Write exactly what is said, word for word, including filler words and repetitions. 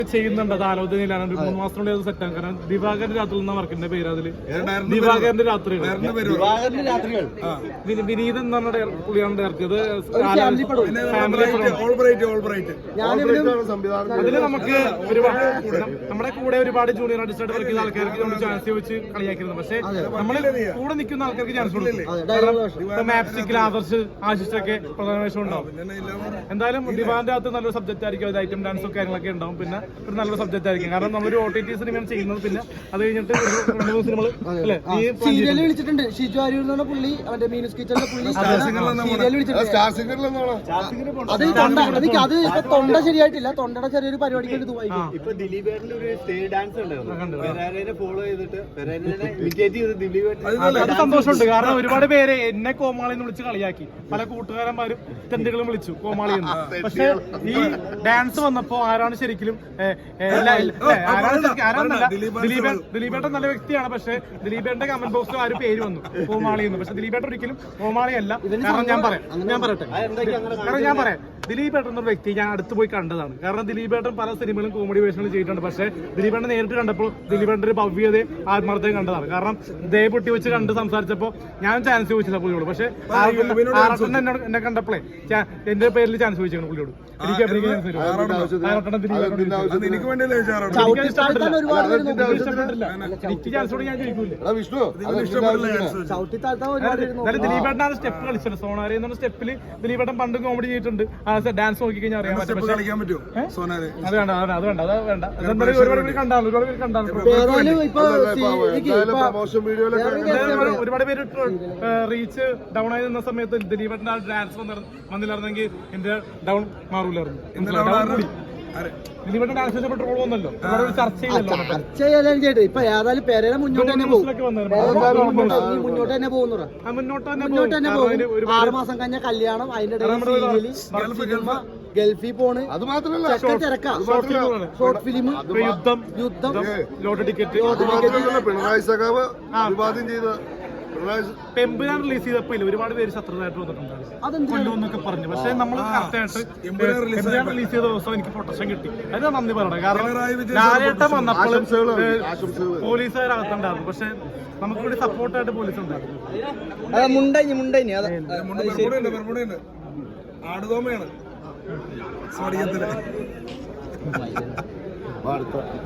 ചെയ്യുന്നുണ്ട്. അത് ആലോചനയിലാണ്. ഒരു മൂന്ന് മാസത്തിനുള്ളിൽ അത് സെറ്റാണ്. കാരണം ദിവാകരന്റെ രാത്രി എന്ന വർക്കിന്റെ പേര് അതില് ദിവാകരന്റെ രാത്രികൾ, വിനീത് എന്ന് പറഞ്ഞ പുള്ളിയാണ് ഇറക്കിയത്. അതില് നമുക്ക് ഒരുപാട് നമ്മുടെ കൂടെ ഒരുപാട് ജൂനിയർ ആർട്ടിസ്റ്റായിട്ട് വർക്ക് ചെയ്ത ആൾക്കാർക്ക് നമ്മൾ ചാൻസ് ചോദിച്ച് കളിയാക്കിയിരുന്നു. പക്ഷെ നമ്മള് കൂടെ നിൽക്കുന്ന ആൾക്കാർക്ക് ചാൻസ് കൊടുക്കും. മാപ്സിക്കിൽ ആദർശ് ആശിഷൊക്കെ പ്രധാന വേഷം ഉണ്ടാവും. എന്തായാലും ദിവാന്റെ അകത്ത് നല്ലൊരു സബ്ജക്റ്റ് ആയിരിക്കും. അത് ഐറ്റം ഡാൻസും കാര്യങ്ങളൊക്കെ ഉണ്ടാവും. പിന്നെ ഒരു നല്ലൊരു സബ്ജക്റ്റ് ആയിരിക്കും. കാരണം നമ്മളൊരു ഒ ടി ടി സിനിമയാണ് ചെയ്യുന്നത്. പിന്നെ അത് കഴിഞ്ഞിട്ട് രണ്ട് മൂന്ന് സിനിമകൾ സീരിയൽ വിളിച്ചിട്ടുണ്ട്. ഷിജു അരൂർ എന്ന് പറഞ്ഞ പുള്ളി അവന്റെ മീനസ് കിച്ചണിലെ പുള്ളി സീരിയൽ വിളിച്ചിട്ടുണ്ട്. അത് ഇപ്പൊ തൊണ്ട ശരിയായിട്ടില്ല. തൊണ്ടയുടെ ചെറിയൊരു പരിപാടിക്ക് എടുത്തു പോയി. ഇപ്പൊ ദിലീപേട്ടന്റെ ഒരു സ്റ്റേജ് ഡാൻസ് ഉണ്ടായിരുന്നു. ഫോളോ ചെയ്തിട്ട് അത് സന്തോഷമുണ്ട്. കാരണം ഒരുപാട് പേര് എന്നെ കോമാളി എന്ന് വിളിച്ച് കളിയാക്കി. പല കൂട്ടുകാരന്മാരും തെണ്ടുകളും വിളിച്ചു കോമാളി എന്ന്. പക്ഷെ ഈ ഡാൻസ് വന്നപ്പോ ആരാണ് ശരിക്കും ആരാന്നല്ല, ദിലീപേട്ടൻ ദിലീപേട്ടൻ നല്ല വ്യക്തിയാണ്. പക്ഷെ ദിലീപേട്ടന്റെ കമന്റ് ബോക്സിൽ ആ ഒരു പേര് വന്നു കോമാളി എന്ന്. പക്ഷെ ദിലീപേട്ടൻ ഒരിക്കലും കോമാളി അല്ല. കാരണം ഞാൻ പറയാം ഞാൻ പറയട്ടെ കാരണം ഞാൻ പറയാം ദിലീപേട്ടൻ എന്ന വ്യക്തി ഞാൻ അടുത്ത് പോയി കണ്ടതാണ്. കാരണം ദിലീപേട്ടൻ പല സിനിമകളും കോമഡി വേഷങ്ങളും ചെയ്തിട്ടുണ്ട്. പക്ഷെ ദിലീപേട്ടൻ നേരിട്ട് കണ്ടപ്പോൾ ദിലീപേട്ടന്റെ ഒരു ഭവ്യതയും ആത്മാർത്ഥതയും കണ്ടതാണ്. കാരണം ദേ പൊട്ടി വെച്ച് കണ്ട് സംസാരിച്ചപ്പോ ഞാൻ ചാൻസ് ചോദിച്ചില്ല പുള്ളിയോട്. പക്ഷെ ആറട്ടൻ എന്നോട് എന്നെ കണ്ടപ്പോഴേ എന്റെ പേരിൽ ചാൻസ് ചോദിച്ചു പുള്ളിയോട്. എനിക്ക് എനിക്ക് ചാൻസോട് ഞാൻ ചോദിക്കൂല. ദിലീപേട്ടനാണ് സ്റ്റെപ്പ് കളിച്ചത്. സോണാരി എന്ന സ്റ്റെപ്പില് ദിലീപേട്ടൻ പണ്ട് കോമഡി ചെയ്തിട്ടുണ്ട്. ഡാൻസ് നോക്കി കഴിഞ്ഞാൽ അറിയാൻ പറ്റും. അത് വേണ്ട അത് വേണ്ട അത് വേണ്ട ഒരുപാട് പേര് കണ്ടാണ് ഒരുപാട് പേര് കണ്ടാണ് ഒരുപാട് പേര് റീച്ച് ഡൗൺ ആയി നിന്ന സമയത്ത് ദിലീപേട്ടന്റെ ഡാൻസ് വന്നില്ലായിരുന്നെങ്കിൽ എന്റെ ഡൗൺ മാറൂലായിരുന്നു. ദിലീപേട്ടൻ ഡാൻസ് ചെയ്തപ്പോൾ ട്രോൾ വന്നല്ലോ. ചർച്ച ചെയ്യല്ലോ. ഇപ്പൊ ഏതായാലും പേരെ മുന്നോട്ട് തന്നെ പോകും. മുന്നോട്ട് തന്നെ പോകുന്നു. മുന്നോട്ട് മുന്നോട്ട് തന്നെ പോകും. ആറ് മാസം കഴിഞ്ഞ കല്യാണം, അതിന്റെ ഇടയിൽ ഗൾഫിൽ പോണ്. അത് മാത്രമല്ല ഷോർട്ട് ഫിലിം, യുദ്ധം യുദ്ധം ലോട്ടറി ടിക്കറ്റ്, പിണറായി സഖാവ് വിവാദം ചെയ്ത പെമ്പുരാൻ റിലീസ് ചെയ്തപ്പോ ഒരുപാട് പേര് ശത്രുതായിട്ട് വന്നിട്ടുണ്ടായിരുന്നു കൊല്ലുമെന്നൊക്കെ പറഞ്ഞു. പക്ഷെ നമ്മൾ കറക്റ്റായിട്ട് റിലീസ് ചെയ്ത ദിവസം എനിക്ക് പ്രൊട്ടക്ഷൻ കിട്ടി. അതിന് നന്ദി പറയണം. കാരണം ലാലേട്ടൻ വന്നപ്പോൾ പോലീസുകാരകത്തുണ്ടായിരുന്നു. പക്ഷെ നമുക്ക് ഇവിടെ സപ്പോർട്ടായിട്ട് പോലീസ് ഉണ്ടായിരുന്നു. മുണ്ടൈനി മുണ്ടൈനി ആടുതോമയാണ്